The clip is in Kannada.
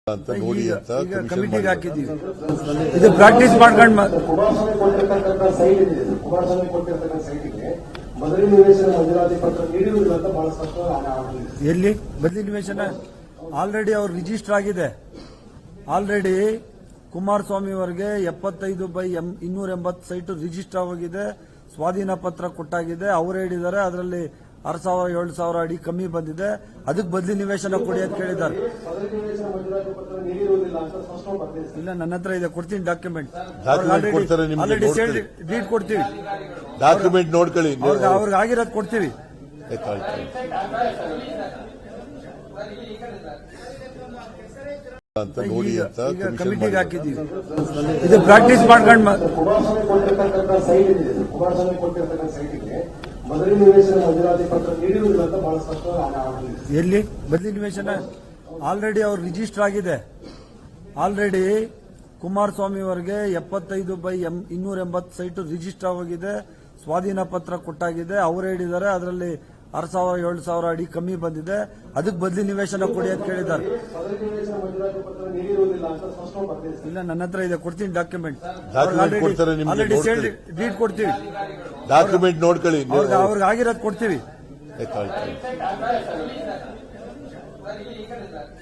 ಅಂತ ನೋಡಿ ಅಂತ ಕಮಿಟಿಗೆ ಹಾಕಿದ್ದೀವಿ. ಇದು ಪ್ರಾಕ್ಟೀಸ್ ಮಾಡ್ಕೊಂಡು ಎಲ್ಲಿ ಬದಲಿ ನಿವೇಶನ ಆಲ್ರೆಡಿ ಅವ್ರು ರಿಜಿಸ್ಟರ್ ಆಗಿದೆ. ಆಲ್ರೆಡಿ ಕುಮಾರಸ್ವಾಮಿ ಅವರಿಗೆ 75/280 ಸೈಟ್ ರಿಜಿಸ್ಟರ್ ಆಗಿದೆ. ಸ್ವಾಧೀನ ಪತ್ರ ಕೊಟ್ಟಾಗಿದೆ. ಅವರು ಹೇಳಿದ್ದಾರೆ ಅದರಲ್ಲಿ 6,000-7,000 ಅಡಿ ಕಮ್ಮಿ ಬಂದಿದೆ. ಅದಕ್ಕೆ ಬದಲಿ ನಿವೇಶನ ಕೊಡಿ ಅಂತ ಕೇಳಿದ್ದಾರೆ. ಇಲ್ಲ, ನನ್ನ ಹತ್ರ ಇದೆ, ಕೊಡ್ತೀನಿ ಡಾಕ್ಯುಮೆಂಟ್. ಆಲ್ರೆಡಿ ಸೇಲ್ ಡೀಡ್ ಕೊಡ್ತೀವಿ. ಡಾಕ್ಯುಮೆಂಟ್ ನೋಡ್ಕೊಳ್ಳಿ. ಅವ್ರಿಗೆ ಆಗಿರೋದು ಕೊಡ್ತೀವಿ. ಅಂತ ನೋಡಿ ಅಂತ ಕಮಿಟಿಗೆ ಹಾಕಿದ್ದೀವಿ. ಇದು ಪ್ರಾಕ್ಟೀಸ್ ಮಾಡ್ಕೊಂಡು ಎಲ್ಲಿ ಬದಲಿ ನಿವೇಶನ ಆಲ್ರೆಡಿ ಅವ್ರು ರಿಜಿಸ್ಟರ್ ಆಗಿದೆ. ಆಲ್ರೆಡಿ ಕುಮಾರಸ್ವಾಮಿ ಅವರಿಗೆ 75/280 ಸೈಟ್ ರಿಜಿಸ್ಟರ್ ಆಗಿದೆ. ಸ್ವಾಧೀನ ಪತ್ರ ಕೊಟ್ಟಾಗಿದೆ. ಅವರು ಹೇಳಿದ್ದಾರೆ ಅದರಲ್ಲಿ 6,000-7,000 ಅಡಿ ಕಮ್ಮಿ ಬಂದಿದೆ. ಅದಕ್ಕೆ ಬದಲಿ ನಿವೇಶನ ಕೊಡಿ ಅಂತ ಕೇಳಿದ್ದಾರೆ. ಇಲ್ಲ, ನನ್ನ ಹತ್ರ ಇದೆ, ಕೊಡ್ತೀನಿ ಡಾಕ್ಯುಮೆಂಟ್. ಆಲ್ರೆಡಿ ಸೇಲ್ ಡೀಡ್ ಕೊಡ್ತೀವಿ. ಡಾಕ್ಯುಮೆಂಟ್ ನೋಡ್ಕೊಳ್ಳಿ. ಅವ್ರಿಗೆ ಆಗಿರೋದು ಕೊಡ್ತೀವಿ.